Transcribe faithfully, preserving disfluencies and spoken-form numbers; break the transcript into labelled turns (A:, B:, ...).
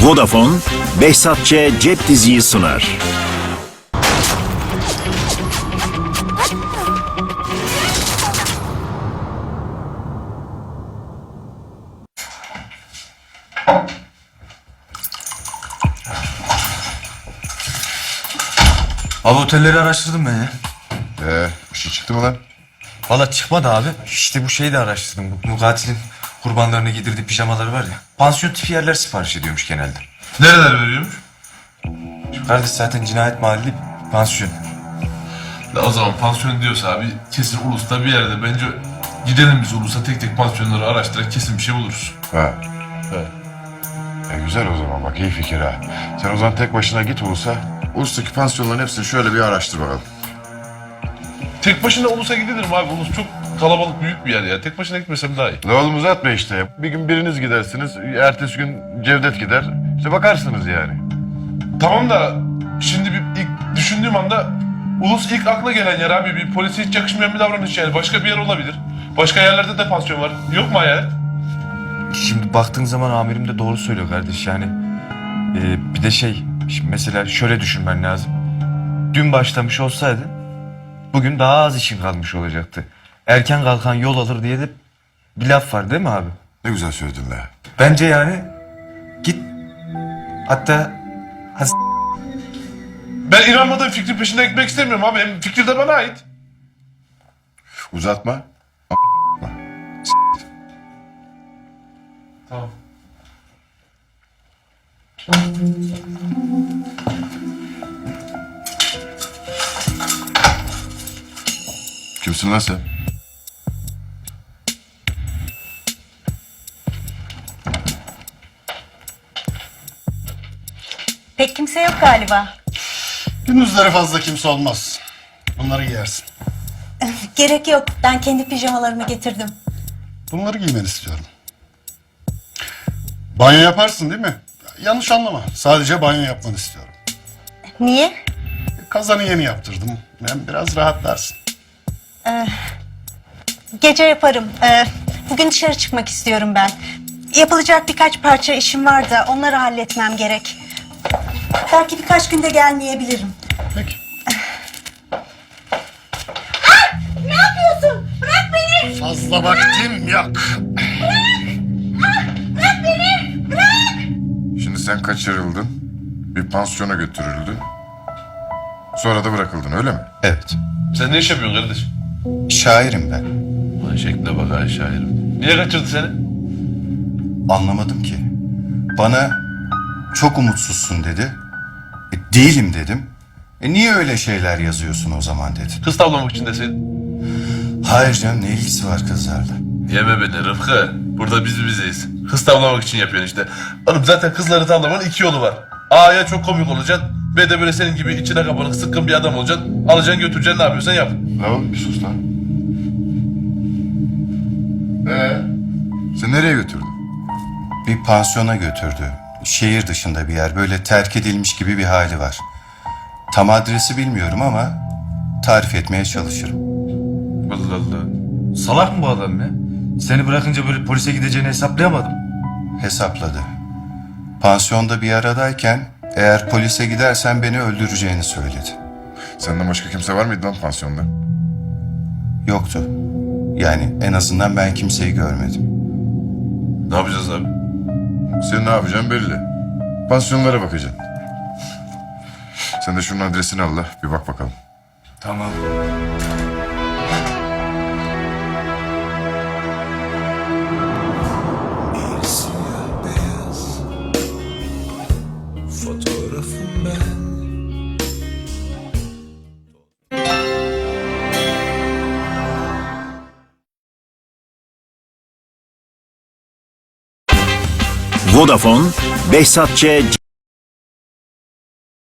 A: Vodafone, Behzat Ç. Cep Diziyi sunar.
B: Abi otelleri araştırdım ben ya.
C: Ee, bir şey çıktı mı lan?
B: Valla çıkmadı abi. İşte bu şeyi de araştırdım. Bu, bu katilin kurbanlarını giydirdiği pijamaları var ya. Pansiyon tipi yerler sipariş ediyormuş genelde.
D: Nereler veriyormuş?
B: Şu kardeş zaten cinayet mahalli bir pansiyon.
D: La o zaman pansiyon diyorsa abi kesin Ulus'ta bir yerde. Bence gidelim biz Ulus'a tek tek pansiyonları araştırarak kesin bir şey buluruz.
C: Ha.
D: He.
C: E güzel o zaman, bak iyi fikir ha. Sen o zaman tek başına git Ulus'a. Ulus'taki pansiyonların hepsini şöyle bir araştır bakalım.
D: Tek başına Ulus'a gidilir abi? Ulus çok kalabalık, büyük bir yer ya. Tek başına gitmesem daha iyi.
C: La oğlum uzatma işte. Bir gün biriniz gidersiniz, ertesi gün Cevdet gider. İşte bakarsınız yani.
D: Tamam da şimdi bir ilk düşündüğüm anda Ulus ilk akla gelen yer abi. Bir polise hiç yakışmayan bir davranış yani. Başka bir yer olabilir. Başka yerlerde de pansiyon var. Yok mu hayalet?
B: Şimdi baktığın zaman amirim de doğru söylüyor kardeş yani. e, bir de şey, şimdi mesela şöyle düşünmen lazım. Dün başlamış olsaydı bugün daha az işin kalmış olacaktı. Erken kalkan yol alır diye de bir laf var değil mi abi?
C: Ne güzel söyledin la.
B: Bence yani git hatta has-
D: Ben inanmadığım fikrin peşinde gitmek istemiyorum abi. Hem fikir de bana ait.
C: Uzatma.
D: Tamam.
C: Kimsin lan sen?
E: Pek kimse yok galiba.
F: Gündüzleri fazla kimse olmaz. Bunları giyersin.
E: Gerek yok. Ben kendi pijamalarımı getirdim.
F: Bunları giymeni istiyorum. Banyo yaparsın değil mi? Yanlış anlama. Sadece banyo yapmanı istiyorum.
E: Niye?
F: Kazanı yeni yaptırdım. Hem biraz rahatlarsın.
E: Gece yaparım. Ee, bugün dışarı çıkmak istiyorum ben. Yapılacak birkaç parça işim var da onları halletmem gerek. Belki birkaç günde gelmeyebilirim.
F: Peki.
E: Ne yapıyorsun? Bırak beni!
F: Fazla vaktim yok.
C: Şimdi sen kaçırıldın. Bir pansiyona götürüldün. Sonra da bırakıldın, öyle mi?
B: Evet.
D: Sen ne iş yapıyorsun kardeş?
B: Şairim ben.
D: Lan şekle bak ha şairim. Niye kaçırdı seni?
G: Anlamadım ki. Bana çok umutsuzsun dedi. E, değilim dedim. E, niye öyle şeyler yazıyorsun o zaman dedi.
D: Kız tavlamak için deseydin.
G: Hayır canım, ne ilgisi var kızlarla?
D: Yeme beni Rıfkı. Burada biz bizeyiz. Kız tavlamak için yapıyorsun işte. Oğlum zaten kızları tavlamanın iki yolu var. A ya çok komik olacaksın. B de böyle senin gibi içine kapanık sıkkın bir adam olacaksın. Alacaksın götüreceksin, ne yapıyorsan yap.
C: La oğlum bir sus lan. Ee? Sen nereye götürdün?
G: Bir pansiyona götürdü. Şehir dışında bir yer. Böyle terk edilmiş gibi bir hali var. Tam adresi bilmiyorum ama tarif etmeye çalışırım.
B: Allah Allah. Salak mı bu adam ya? Seni bırakınca böyle polise gideceğini hesaplayamadım.
G: Hesapladı. Pansiyonda bir aradayken eğer polise gidersen beni öldüreceğini söyledi.
C: Senden başka kimse var mıydı lan pansiyonda?
G: Yoktu. Yani en azından ben kimseyi görmedim.
D: Ne yapacağız abi?
C: Sen ne yapacaksın belli. Pansiyonlara bakacaksın. Sen de şunun adresini al la, bir bak bakalım.
B: Tamam.
H: Fotoğrafım ben.
A: Vodafone, Behzat Ç.